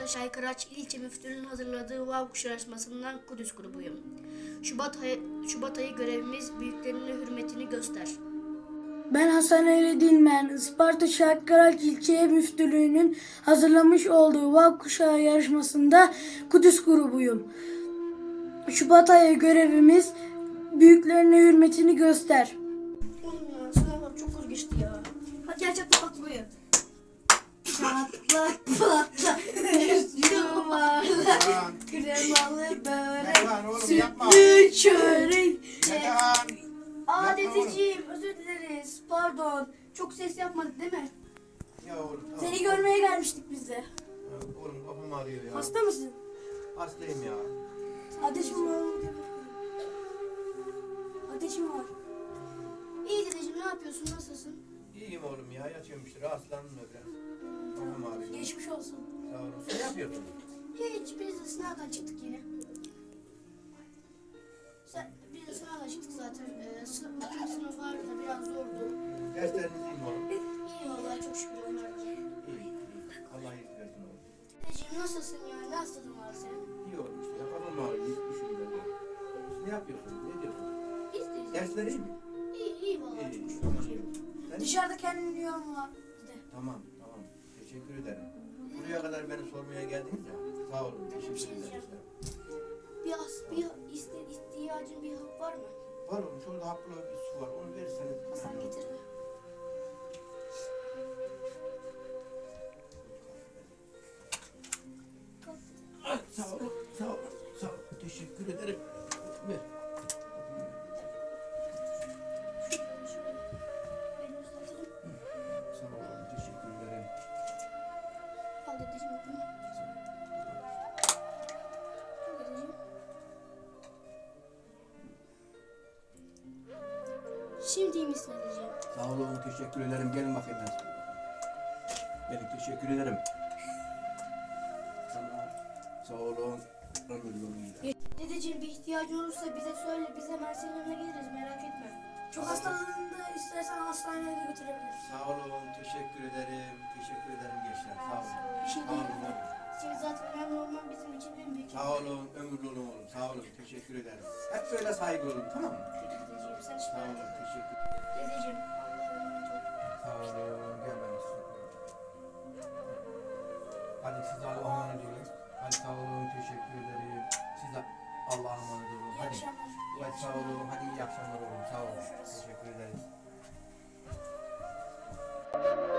Şaykıraç İlçe Müftülüğü'nün hazırladığı Vav Kuşu yarışmasından Kudüs grubuyum. Şubat ayı görevimiz büyüklerine hürmetini göster. Ben Hasan Ali Dilmen, Isparta Şaykıraç İlçe Müftülüğü'nün hazırlamış olduğu Vav Kuşağı yarışmasında Kudüs grubuyum. Şubat ayı görevimiz büyüklerine hürmetini göster. Oğlum ya sınavlar çok zor geçti ya. Hadi gel çatla bak buraya. Çatla patla yuvarlak kremalı börek sütlü çörek. Aa dedeciğim özür dileriz pardon çok ses yapmadık değil mi? Ya oğlum tamam. Seni görmeye gelmiştik biz de. Ya oğlum kafam ağrıyor ya. Hasta mısın? Hastayım ya. Ateşim var. Ateşim var. İyi dedeciğim ne yapıyorsun nasılsın? İyiyim oğlum ya. Yatıyorum işte. Rahatsızlandım da biraz. Kafam ağrıyor. Geçmiş olsun. Sağ olun. Sen ne yapıyorsun? Hiç biz de sınavdan çıktık yine. Biz de sınavdan çıktık zaten. Sınıf vardı da biraz zordu. Dersleriniz iyi mi oğlum? İyi vallahi çok şükür onlar da. İyi. İyi. Allah iyilik versin oğlum. Dedeciğim nasılsın ya? Ne hastalığın var senin? İyi oğlum işte. Ya kafam ağrıyor. Hiç düşünmüyorum. Siz ne yapıyorsun? Ne diyorsun? Biz deyiz. Dersler iyi mi? İyi vallahi İyi. çok şükür. Tamam. Sen... Dışarıda kendini yorma bir de. Tamam. Tamam. Teşekkür ederim. Buraya kadar beni sormaya geldiniz ya. Sağ olun. Teşekkür ederim. İhtiyacın bir hap var mı? Var oğlum. Şurada haplı bir su var. Onu verirseniz. Hasan getir. Sağ olun. Sağ olun. Sağ olun. Teşekkür ederim. Ver. Beni uzatalım. Sağ olun. Teşekkür ederim. Al dedeciğim bunu. Al dedeciğim. Şimdi iyi misin dedeciğim? Sağ olun, teşekkür ederim. Gelin bakayım ben. Gelin, teşekkür ederim. Tamam. Sağ olun. Ömür yolu gider. Dedeciğim bir ihtiyacın olursa bize söyle. Biz hemen senin yanına geliriz merak etme. Çok hastalığında istersen hastaneye de götürebiliriz. Sağ olun, teşekkür ederim. Teşekkür ederim gençler. Sağ olun. Bir şey Sağ değil. olun. Şimdi zaten önemli olman bizim için en büyük. Sağ olun, ömürlü olun oğlum. Sağ olun, teşekkür ederim. Hep böyle saygı olun, tamam mı? Dedeciğim sen Sağ şimdi. olun, teşekkür Dedeciğim Allah'a emanet ol. Sağ olun, gel ben size. Hadi siz Allah'a emanet olun. Hadi sağ olun, teşekkür ederim. Siz de Allah'a emanet olun. İyi Hadi. akşamlar. Hadi sağ olun, hadi iyi akşamlar oğlum. Sağ olun. Teşekkür ederiz.